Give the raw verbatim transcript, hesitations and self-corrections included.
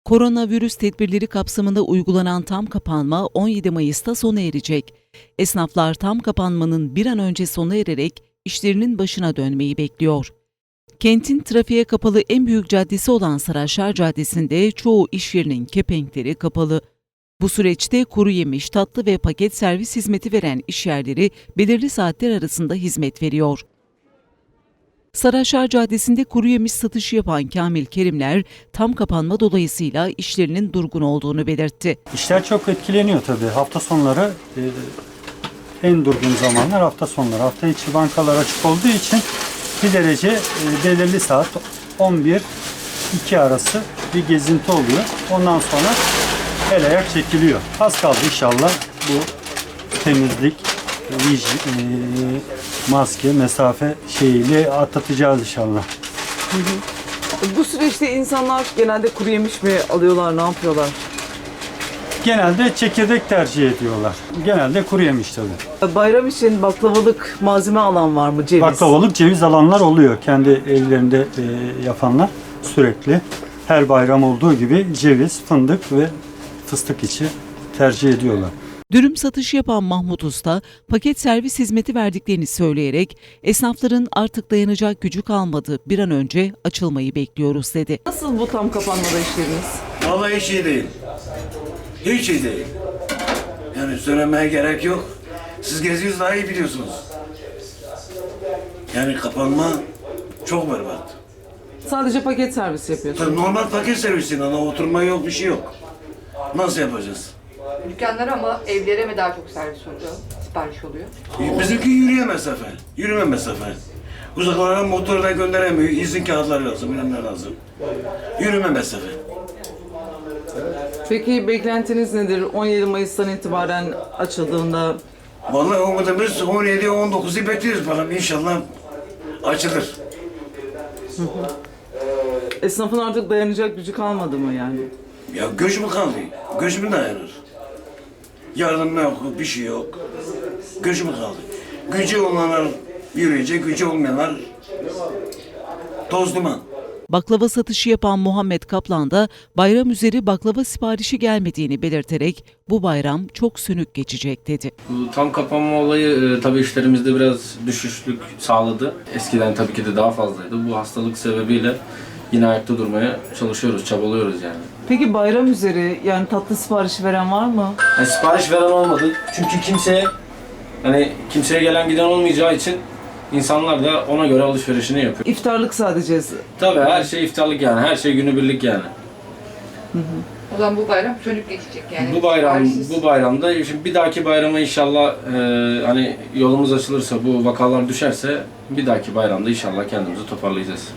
Koronavirüs tedbirleri kapsamında uygulanan tam kapanma on yedi Mayıs'ta sona erecek. Esnaflar tam kapanmanın bir an önce sona ererek işlerinin başına dönmeyi bekliyor. Kentin trafiğe kapalı en büyük caddesi olan Saraçlar Caddesi'nde çoğu iş yerinin kepenkleri kapalı. Bu süreçte kuru yemiş, tatlı ve paket servis hizmeti veren işyerleri belirli saatler arasında hizmet veriyor. Saraçlar Caddesi'nde kuru yemiş satışı yapan Kamil Kerimler, tam kapanma dolayısıyla işlerinin durgun olduğunu belirtti. İşler çok etkileniyor tabii. Hafta sonları e, en durgun zamanlar hafta sonları. Hafta içi bankalar açık olduğu için bir derece e, belirli saat on bir iki arası bir gezinti oluyor. Ondan sonra el ayak çekiliyor. Az kaldı inşallah bu temizlik, hijyen, e, maske, mesafe şeyiyle atlatacağız inşallah. Hı hı. Bu süreçte insanlar genelde kuru yemiş mi alıyorlar, ne yapıyorlar? Genelde çekirdek tercih ediyorlar. Genelde kuru yemiş tabii. Bayram için baklavalık malzeme alan var mı, ceviz? Baklavalık, ceviz alanlar oluyor. Kendi evlerinde e, yapanlar sürekli. Her bayram olduğu gibi ceviz, fındık ve fıstık içi tercih ediyorlar. Dürüm satışı yapan Mahmut Usta, paket servis hizmeti verdiklerini söyleyerek esnafların artık dayanacak gücü kalmadı, bir an önce açılmayı bekliyoruz dedi. Nasıl bu tam kapanmada işleriniz? Vallahi hiç iyi değil. Hiç iyi değil. Yani söylemeye gerek yok. Siz geziyorsunuz daha iyi biliyorsunuz. Yani kapanma çok berbat. Sadece paket servis yapıyorsunuz. Tabii normal paket servisinden ama oturma yok, bir şey yok. Nasıl yapacağız? Dükkanlara ama evlere mi daha çok servis oluyor, sipariş oluyor? Bizimki yürüye mesafe, yürüme mesafe. Uzaklara motorla gönderemiyor, izin kağıtları lazım, bilmem ne lazım. Yürüme mesafe. Peki beklentiniz nedir? on yedi Mayıs'tan itibaren açıldığında Vallahi umudumuz on yedi on dokuzu bekliyoruz bakalım inşallah açılır. esnafın artık dayanacak gücü kalmadı mı yani? Ya göç mü kaldı? Göç mü dayanır? Yardım yok, bir şey yok. Göç mü kaldı? Gücü olanlar yürüyecek, gücü olmayanlar toz duman. Baklava satışı yapan Muhammed Kaplan da bayram üzeri baklava siparişi gelmediğini belirterek bu bayram çok sönük geçecek dedi. Bu tam kapanma olayı e, tabii işlerimizde biraz düşüşlük sağladı. Eskiden tabii ki de daha fazlaydı. Bu hastalık sebebiyle yine ayakta durmaya çalışıyoruz, çabalıyoruz yani. Peki bayram üzeri yani tatlı siparişi veren var mı? Yani sipariş veren olmadı. Çünkü kimseye hani kimseye gelen giden olmayacağı için insanlar da ona göre alışverişini yapıyor. İftarlık sadece. Tabii her şey iftarlık yani, her şey günübirlik yani. O zaman bu bayram sönük geçecek yani. Bu bayram, siparişsiz. bu bayramda şimdi bir dahaki bayrama inşallah e, hani yolumuz açılırsa, bu vakalar düşerse bir dahaki bayramda inşallah kendimizi toparlayacağız.